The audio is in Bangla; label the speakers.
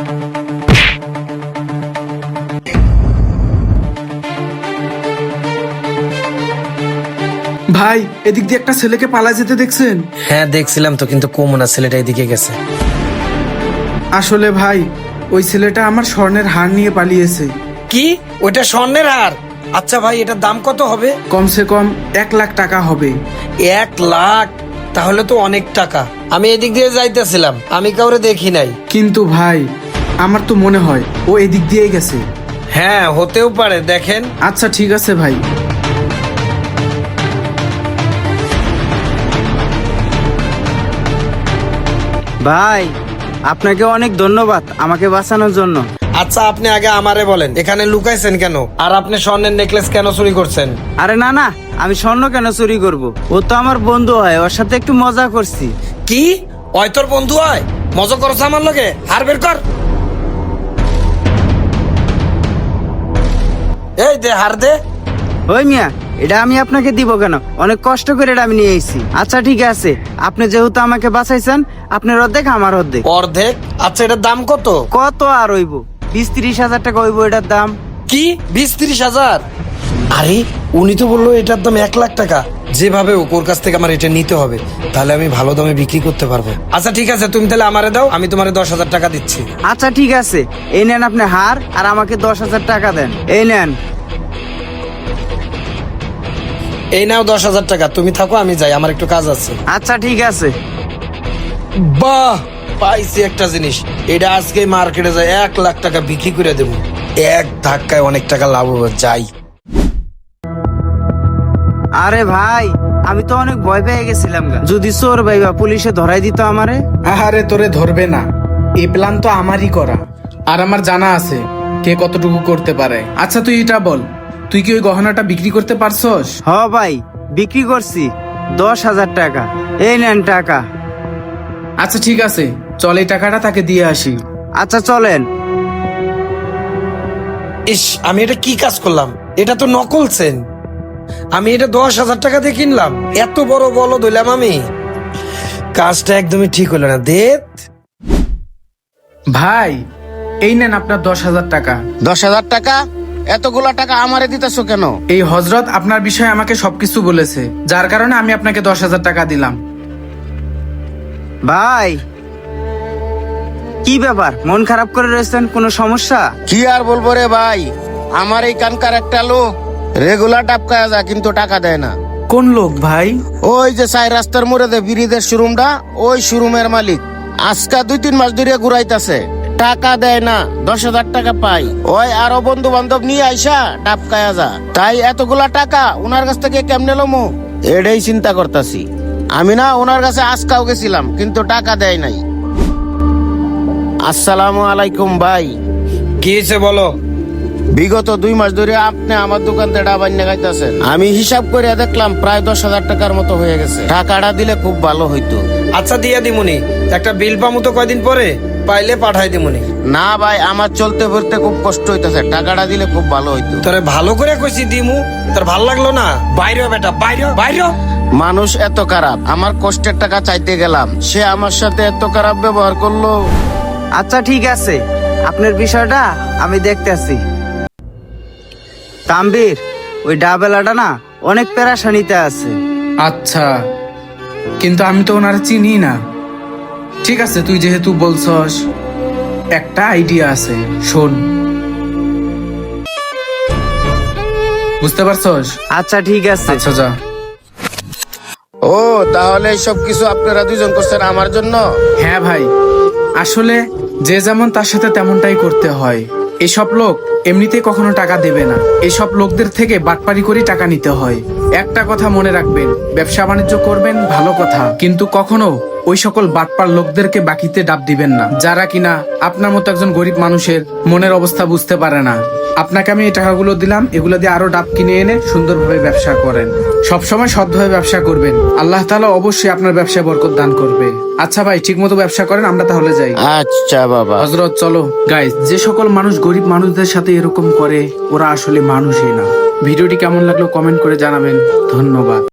Speaker 1: ভাই, এদিক দিয়ে একটা ছেলেকে পালায় যেতে দেখছেন?
Speaker 2: হ্যাঁ দেখছিলাম তো, কিন্তু কমনা ছেলেটা এদিকে গেছে।
Speaker 1: আসলে ভাই, ওই ছেলেটা আমার স্বর্ণের হার নিয়ে পালিয়েছে।
Speaker 2: কি? ওইটা স্বর্ণের হার? আচ্ছা ভাই, এটার দাম কত হবে?
Speaker 1: কমসে কম 1 লাখ টাকা হবে।
Speaker 2: 1 লাখ? তাহলে তো অনেক টাকা। আমি এদিক দিয়ে যাইতেছিলাম, আমি কাউরে দেখি নাই।
Speaker 1: কিন্তু ভাই, আমার তো মনে হয় ও এদিক দিয়েই গেছে।
Speaker 2: হ্যাঁ হতেও পারে, দেখেন।
Speaker 1: আচ্ছা ঠিক আছে ভাই।
Speaker 3: ভাই, আপনাকে অনেক ধন্যবাদ আমাকে বাঁচানোর জন্য।
Speaker 2: আচ্ছা আপনি আগে আমারে বলেন, এখানে লুকাইছেন কেন? আর আপনি স্বর্ণের নেকলেস কেন চুরি করছেন?
Speaker 3: আরে না না, আমি স্বর্ণ কেন চুরি করব? ও তো আমার বন্ধু হয়, ওর সাথে একটু মজা করছি।
Speaker 2: কি? ওই তোর বন্ধু হয়? মজা করছ আমার লগে? হার বের কর। এই দে, হার দে।
Speaker 3: ওই মিয়া, এটা আমি আপনাকে দিব কেন? অনেক কষ্ট করে এটা আমি নিয়ে এসেছি। আচ্ছা ঠিক আছে, আপনি যেহেতু আমাকে বাঁচাইছেন, আপনার অর্ধেক আমার অর্ধেক।
Speaker 2: অর্ধেক? আচ্ছা এটার দাম কত?
Speaker 3: কত আর হইব? 20-30 হাজার টাকা হইব এটার দাম।
Speaker 2: কি 20-30 হাজার? আরে উনি তো বললো এটার দাম 1 লাখ টাকা। যেভাবে ওর কাছ থেকে আমার এটা নিতে হবে, তাহলে আমি ভালো দামে বিক্রি করতে পারবো। আচ্ছা ঠিক আছে, তুমি তাহলে আমারে দাও, আমি তোমারে 10,000 টাকা দিচ্ছি।
Speaker 3: আচ্ছা ঠিক আছে, এই নেন আপনি হার, আর আমাকে 10,000 টাকা দেন। এই নেন।
Speaker 2: এই নাও 10,000 টাকা, তুমি থাকো, আমি যাই, আমার একটু কাজ আছে।
Speaker 3: আচ্ছা ঠিক আছে।
Speaker 2: বাহ, পাইছি একটা জিনিস। এটা আজকে মার্কেটে যাই 1 লাখ টাকা বিক্রি করে দেবো। এক ধাক্কায় অনেক টাকা লাভ হবে, যাই।
Speaker 3: আরে ভাই, আমি তো অনেক ভয় পেয়ে গেছিলাম গা। যদি চোর ভাইবা পুলিশে ধরাই দিত আমারে।
Speaker 1: আহারে, তোরে ধরবে না, এই প্ল্যান তো আমারই করা। আর আমার জানা আছে কে কতটুকু করতে পারে। আচ্ছা তুই এটা বল, তুই কি ওই গহনাটা বিক্রি করতে পারছস?
Speaker 3: হ ভাই, বিক্রি করছি 10,000 টাকা। এই নেন টাকা।
Speaker 1: আচ্ছা ঠিক আছে, চল এই টাকাটা তাকে দিয়ে আসি।
Speaker 3: আচ্ছা চলেন।
Speaker 2: ইস, আমি এটা কি কাজ করলাম? এটা তো নকল চেন। আমি এটা 10,000 টাকা দিয়ে কিনলাম, এত বড় বলদ হইলাম আমি। কাজটা একদমই ঠিক হলো না। দেখ
Speaker 1: ভাই, এই নেন আপনার 10,000 টাকা।
Speaker 4: 10,000 টাকা? এতগুলা টাকা আমারে দিতেছো কেন?
Speaker 1: এই হযরত আপনার বিষয়ে আমাকে সবকিছু বলেছে, যার কারণে আমি আপনাকে 10,000 টাকা দিলাম।
Speaker 3: ভাই, কি ব্যাপার, মন খারাপ করে রয়েছেন? কোনো সমস্যা?
Speaker 4: কি আর বলবো রে ভাই, আমার এই কানকার একটা লোক রেগুলার টাপকায় যা, কিন্তু টাকা দেয় না।
Speaker 1: কোন লোক ভাই?
Speaker 4: ওই যে সাই রাস্তার মোড়ে দে বিরিদের শোরুমটা, ওই শোরুমের মালিক। আজকা 2-3 মাস ধরে ঘুরাইতাছে, টাকা দেয় না। 10,000 টাকা পাই, ওই আরো বন্ধু বান্ধব নিয়ে আইসা টাপকায়া যা। তাই এতগুলা টাকা ওনার কাছ থেকে কেমনে লমু, এটাই চিন্তা করতাছি। আমি না ওনার কাছে আজকাও গেছিলাম, কিন্তু টাকা দেয় নাই। আসসালামু আলাইকুম ভাই।
Speaker 2: কি হয়েছে বলো।
Speaker 4: বিগত 2 মাস ধরে আপনি আমার দোকান থেকে ডাবাই নেগাইতেছেন। আমি হিসাব করে দেখলাম প্রায় 10,000 টাকার মতো হয়ে গেছে। টাকাটা দিলে খুব ভালো হইতো।
Speaker 2: আচ্ছা দিয়া দিমুনি, একটা বিল পামু তো কয়দিন পরে, পাইলে পাঠাই দিমুনি।
Speaker 4: না ভাই, আমার চলতে ফিরতে খুব কষ্ট হইতেছে, টাকাটা দিলে খুব ভালো হইতো।
Speaker 2: তোরে ভালো করে কইছি দিমু, তোর ভাল লাগলো না? বাইরে হ বেটা, বাইরে বাইরে।
Speaker 4: মানুষ এত খারাপ, আমার কষ্টের টাকা চাইতে গেলাম, সে আমার সাথে এত খারাপ ব্যবহার করলো।
Speaker 3: আচ্ছা ঠিক আছে, আপনার বিষয়টা আমি দেখতেছি। তাম্বির, ওই ডাবেলাটা না অনেক পেরাশানিতে আছে।
Speaker 1: আচ্ছা, কিন্তু আমি তো ওনারা চিনি না। ঠিক আছে, তুই যেহেতু বলছস, একটা আইডিয়া আছে, শোন। বুঝতে পারছস?
Speaker 3: আচ্ছা ঠিক আছে।
Speaker 1: আচ্ছা যা।
Speaker 4: ও, তাহলে সব কিছু আপনারা দুজন করছেন আমার জন্য?
Speaker 1: হ্যাঁ ভাই, আসলে যে যেমন তার সাথে তেমনটাই করতে হয়। এসব লোক এমনিতে কখনো টাকা দেবে না, এসব লোকদের থেকে বাটপারি করে টাকা নিতে হয়। একটা কথা মনে রাখবেন, ব্যবসা বাণিজ্য করবেন ভালো কথা, কিন্তু কখনো ওই সকল বাটপার লোকদেরকে বাকিতে ডাব দিবেন না, যারা কিনা আপনার মতো একজন গরিব মানুষের মনের অবস্থা বুঝতে পারে না। আপনাকে আমি এই টাকাগুলো দিলাম, এগুলো দিয়ে আরো ডাব কিনে এনে সুন্দরভাবে ব্যবসা করেন। সবসময় সৎভাবে ব্যবসা করবেন, আল্লাহ তাআলা অবশ্যই আপনার ব্যবসায় বরকত দান করবে। আচ্ছা ভাই, ঠিক মতো ব্যবসা করেন, আমরা তাহলে যাই।
Speaker 4: আচ্ছা বাবা।
Speaker 1: হযরত চলো। গাইস, যে সকল মানুষ গরিব মানুষদের সাথে এরকম করে, ওরা আসলে মানুষই না। ভিডিওটি কেমন লাগলো কমেন্ট করে জানাবেন। ধন্যবাদ।